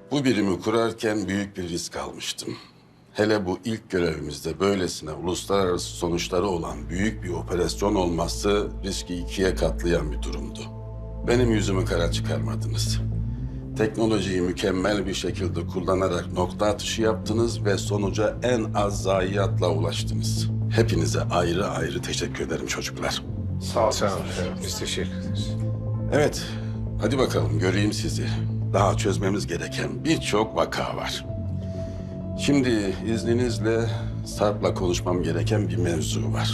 Bu birimi kurarken büyük bir risk almıştım. Hele bu ilk görevimizde böylesine uluslararası sonuçları olan büyük bir operasyon olması riski ikiye katlayan bir durumdu. Benim yüzümü kara çıkarmadınız. Teknolojiyi mükemmel bir şekilde kullanarak nokta atışı yaptınız ve sonuca en az zayiatla ulaştınız. Hepinize ayrı ayrı teşekkür ederim çocuklar. Sağ ol. Biz teşekkür ederiz. Evet, hadi bakalım göreyim sizi. Daha çözmemiz gereken birçok vaka var. Şimdi izninizle Sarp'la konuşmam gereken bir mevzu var.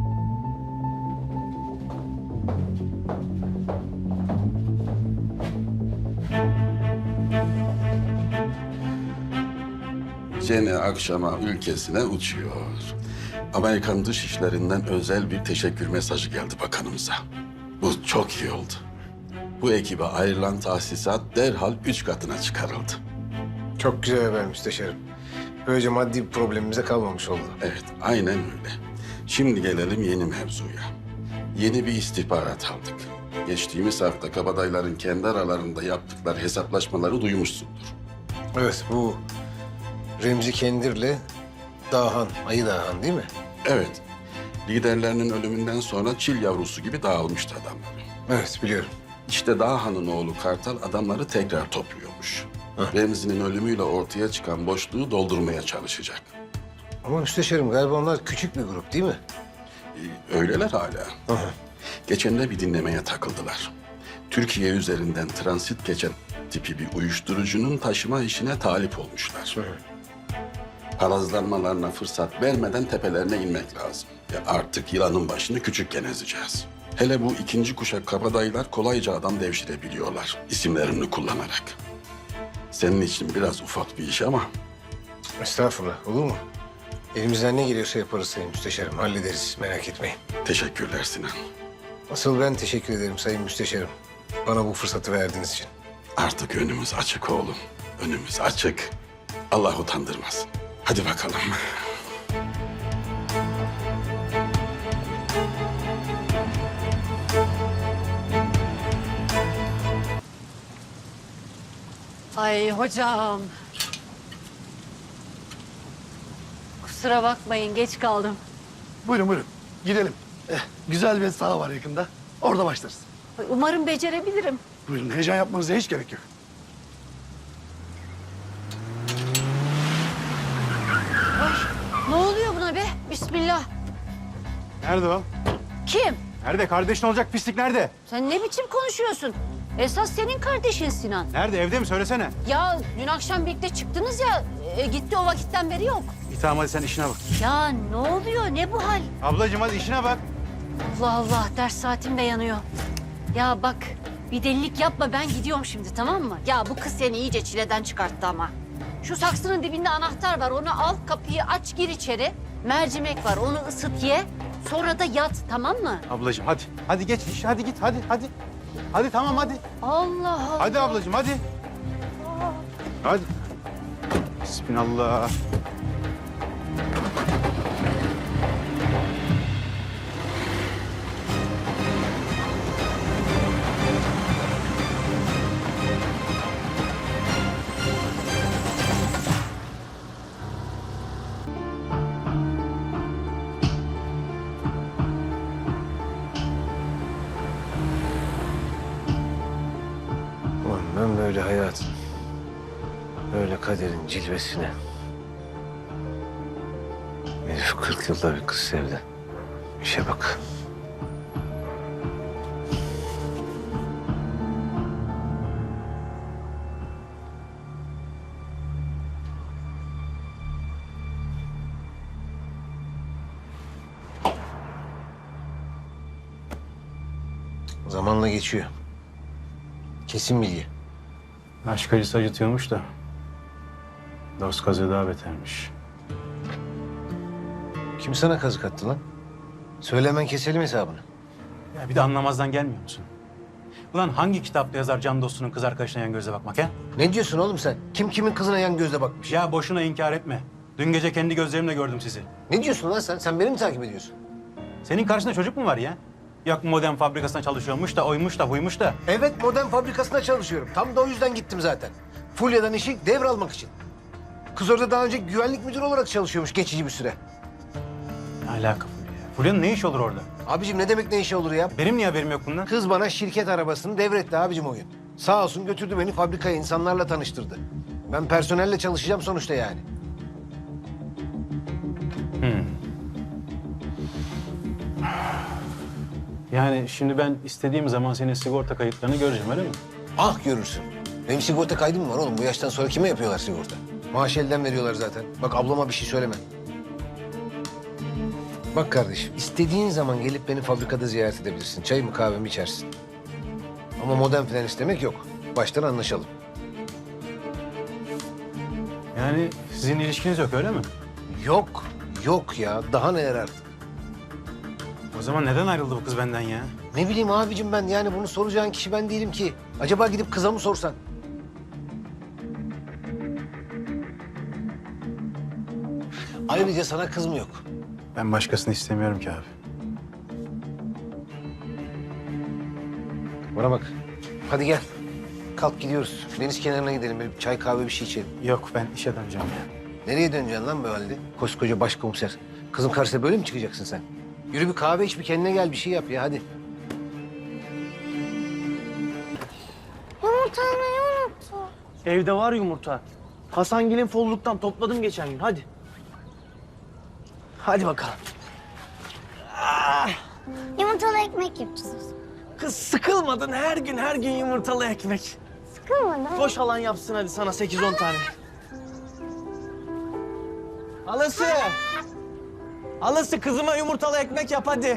Jenny akşama ülkesine uçuyor. Amerikan Dışişleri'nden özel bir teşekkür mesajı geldi bakanımıza. Bu çok iyi oldu. Bu ekibe ayrılan tahsisat derhal 3 katına çıkarıldı. Çok güzel haber müsteşarım. Böylece maddi bir problemimize kalmamış oldu. Evet, aynen öyle. Şimdi gelelim yeni mevzuya. Yeni bir istihbarat aldık. Geçtiğimiz hafta kabadayların kendi aralarında yaptıkları hesaplaşmaları duymuşsundur. Evet, bu Remzi Kendir'le Dahan, Ayı Dahan değil mi? Evet, liderlerinin ölümünden sonra çil yavrusu gibi dağılmıştı adamlar. Evet, biliyorum. İşte Dahan'ın oğlu Kartal adamları tekrar topluyormuş. Remzi'nin ölümüyle ortaya çıkan boşluğu doldurmaya çalışacak. Ama müsteşarım galiba onlar küçük bir grup değil mi? Öyleler hala. Geçen de bir dinlemeye takıldılar. Türkiye üzerinden transit geçen tipi bir uyuşturucunun taşıma işine talip olmuşlar. Parazlanmalarına fırsat vermeden tepelerine inmek lazım. Ve artık yılanın başını küçükken ezeceğiz. Hele bu ikinci kuşak kabadayılar kolayca adam devşirebiliyorlar isimlerini kullanarak. Senin için biraz ufak bir iş ama Estağfurullah, olur mu? Elimizden ne geliyorsa yaparız sayın müsteşarım. Hallederiz, merak etmeyin. teşekkürler Sinan. Asıl ben teşekkür ederim sayın müsteşarım. Bana bu fırsatı verdiğiniz için. Artık önümüz açık oğlum. Önümüz açık. Allah utandırmasın. Hadi bakalım. Ay hocam. Kusura bakmayın geç kaldım. Buyurun buyurun. Gidelim. Güzel bir saha var yakında. Orada başlarız. Ay, umarım becerebilirim. Buyurun heyecan yapmanıza hiç gerek yok. Ne oluyor buna be? Bismillah. Nerede o? Kim? Nerede? Kardeşin olacak pislik nerede? Sen ne biçim konuşuyorsun? Esas senin kardeşin Sinan. Nerede? Evde mi? Söylesene. Ya dün akşam birlikte çıktınız ya. Gitti o vakitten beri yok. İyi tamam hadi sen işine bak. Ya ne oluyor? Ne bu hal? Ablacığım hadi işine bak. Allah Allah ders saatim de yanıyor. Ya bak bir delilik yapma ben gidiyorum şimdi tamam mı? Ya bu kız seni iyice çileden çıkarttı ama. Şu saksının dibinde anahtar var onu al kapıyı aç gir içeri. Mercimek var onu ısıt ye. Sonra da yat tamam mı? Ablacığım hadi. Hadi geç iş. Hadi git hadi hadi. Hadi tamam hadi. Allah Allah. Hadi ablacığım hadi. Hadi. Bismillah. Ulan ben böyle hayatın, böyle kaderin cilvesine. Herif 40 yılda bir kız sevdi. İşe bak. Zamanla geçiyor. Kesin bilgi. Aşk acısı acıtıyormuş da. Dost kazığı daha betermiş. Kim sana kazık attı lan? Söyle hemen keselim hesabını. Ya bir de anlamazdan gelmiyor musun? Ulan hangi kitapta yazar can dostunun kız arkadaşına yan gözle bakmak ha? Ne diyorsun oğlum sen? Kim kimin kızına yan gözle bakmış? Ya boşuna inkar etme. Dün gece kendi gözlerimle gördüm sizi. Ne diyorsun lan sen? Sen beni mi takip ediyorsun? Senin karşında çocuk mu var ya? Yok modem fabrikasında çalışıyormuş da oymuş da buymuş da. Evet, modern fabrikasında çalışıyorum. Tam da o yüzden gittim zaten. Fulya'dan işi devralmak için. Kız orada daha önce güvenlik müdürü olarak çalışıyormuş geçici bir süre. Ne alaka Fulya? Fulya'nın ne işi olur orada? Abicim ne demek ne işi olur ya? Benim niye haberim yok bundan? Kız bana şirket arabasını devretti abicim o gün. Sağ olsun götürdü beni fabrikaya, insanlarla tanıştırdı. Ben personelle çalışacağım sonuçta yani. Yani şimdi ben istediğim zaman senin sigorta kayıtlarını göreceğim öyle mi? Ah görürsün. Benim sigorta kaydım mı var oğlum? Bu yaştan sonra kime yapıyorlar sigorta? Maaş elden veriyorlar zaten. Bak ablama bir şey söyleme. Bak kardeşim, istediğin zaman gelip beni fabrikada ziyaret edebilirsin. Çayımı kahvemi içersin. Ama modem falan istemek yok. Baştan anlaşalım. Yani sizin ilişkiniz yok öyle mi? Yok, yok ya. Daha neler artık. O zaman neden ayrıldı bu kız benden ya? Ne bileyim abicim ben yani bunu soracağın kişi ben değilim ki. Acaba gidip kıza mı sorsan? Ayrıca sana kız mı yok? Ben başkasını istemiyorum ki abi. Bana bak. Hadi gel. Kalk gidiyoruz. Deniz kenarına gidelim. Bir çay kahve bir şey içelim. Yok ben işe döneceğim ya. Nereye döneceksin lan böyle halde? Koskoca başkomiser. Kızın karşısına böyle mi çıkacaksın sen? Yürü bir kahve iç, bir kendine gel, bir şey yap ya hadi. Yumurtayı unuttum. Evde var yumurta. Hasangil'in folluktan topladım geçen gün. Hadi. Hadi bakalım. Yumurtalı ekmek yapacağız. Kız sıkılmadın her gün yumurtalı ekmek. Sıkılmadım. Boş alan yapsın hadi sana 8-10 tane. Halası. Halası kızıma yumurtalı ekmek yap hadi.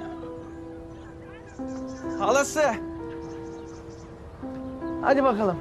Halası. Hadi bakalım.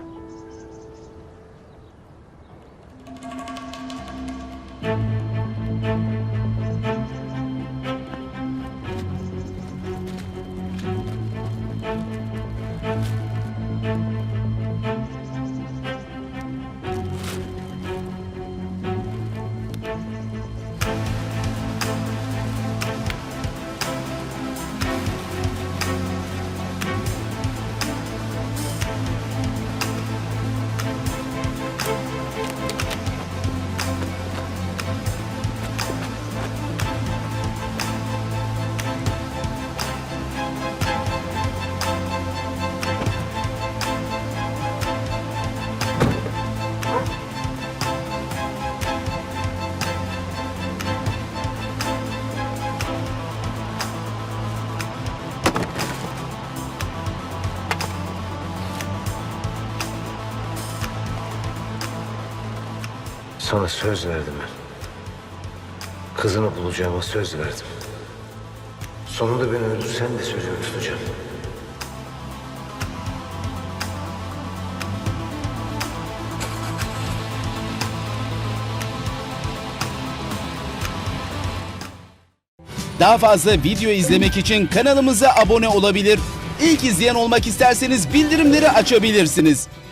Sana söz verdim ben. Kızını bulacağıma söz verdim. Sonunda beni öldürsen de sözümü tutacağım. Daha fazla video izlemek için kanalımıza abone olabilir. İlk izleyen olmak isterseniz bildirimleri açabilirsiniz.